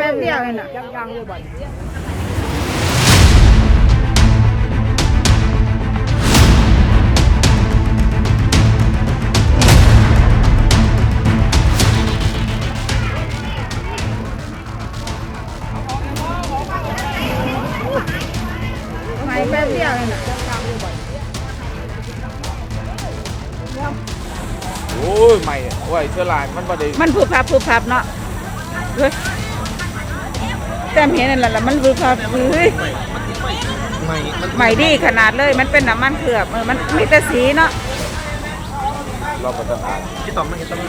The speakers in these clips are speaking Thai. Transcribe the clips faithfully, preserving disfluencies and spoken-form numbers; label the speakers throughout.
Speaker 1: ป๊บเดียวเองน่ะยังๆเลยบ่ไม่แป๊บเดียวเองน่ะ
Speaker 2: โอ้ยใหม่โอ้ยเชื้อรามันประเดี๋ยว
Speaker 1: มันผูกพับผูกพับเนาะเฮ้ยแต่เห็นนั่นแหละมันผูกพับเฮ้ยใหม่ดีขนาดเลยมันเป็นน้ำมันเคลือบเออมันมีแต่สีเนาะ
Speaker 2: เราประจะอ่านที่ต่อมันจะต้อง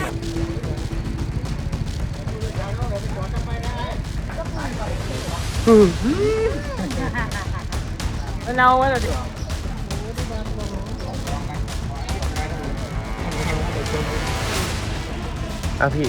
Speaker 1: เราไว้เราดิ
Speaker 3: อ่ะพี่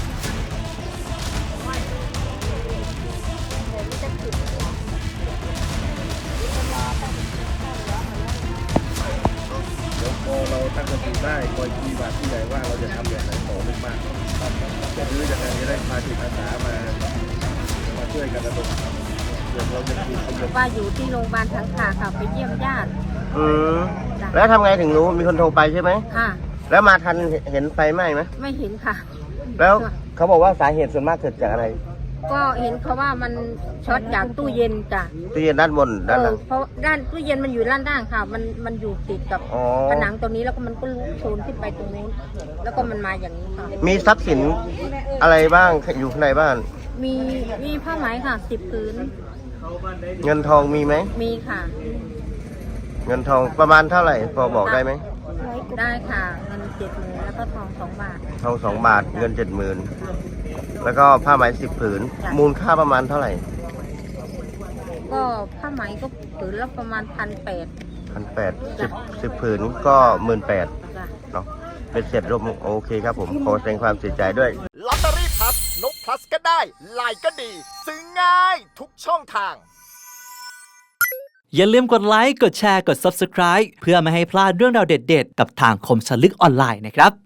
Speaker 3: เดี๋ยวพอเราตั้งสติได้คอยคีย์บาทที่ไหนว่าเราจะทำอย่างไรต่อเนื่องมากจะรื้อยังไงจะได้พาจิตอาสามามาช่วยกันระดมเดี๋ยวเราจะคุยกัน
Speaker 4: ว่าอยู่ที่โรงพยาบาลสังขะค่ะไปเยี่ยมญาติ
Speaker 3: อืมแล้วทำไงถึงรู้มีคนโทรไปใช่ไหม
Speaker 4: ค่ะ
Speaker 3: แล้วมาทันเห็นไฟไหม้ไหม
Speaker 4: ไม่เห็นค่ะ
Speaker 3: แล้วเขาบอกว่าสาเหตุส่วนมากเกิดจากอะไร
Speaker 4: ก็เห็นเขาว่ามันช็อตจากตู้เย็นจ้ะ
Speaker 3: ตู้เย็นด้านบนด้านหลัง
Speaker 4: เพราะด้านตู้เย็นมันอยู่ด้านล่างค่ะมันมันอยู่ติดกับผนังตรงนี้แล้วก็มันก็ลุกโชนขึ้นไปตรงนู้นแล้วก็มันมาอย่างนี้ค่ะ
Speaker 3: มีทรัพย์สินอะไรบ้างอยู่ข้างในบ้าน
Speaker 4: มีมีผ้าไหมค่ะสิบผืน
Speaker 3: เงินทองมีไหม
Speaker 4: มีค่ะ
Speaker 3: เงินทองประมาณเท่าไหร่พอบอกได้ไหม
Speaker 4: ได้ค่ะเงินเจ็ดหมื่นแล้วก็ทองสองบาท
Speaker 3: ทองสองบาทเงินเจ็ดหมื่นแล้วก็ผ้าไหมสิบผืนมูลค่าประมาณเท่าไหร่
Speaker 4: ก็ผ้าไหมก็ผืนละประมาณพันแปด
Speaker 3: พันแปดสิบสิบผืนก็หมื่นแปดเนาะเป็นเสร็จรวมโอเคครับผมขอแสดงความเสียใจด้วย
Speaker 5: ลอตเตอรี่พลัสนกพลัสก็ได้ไลน์ก็ดีซื้อง่ายทุกช่องทาง
Speaker 6: อย่าลืมกดไลค์ กดแชร์ กด ซับสไครบ์ เพื่อไม่ให้พลาดเรื่องราวเด็ดๆ กับทางคมสนลึกออนไลน์นะครับ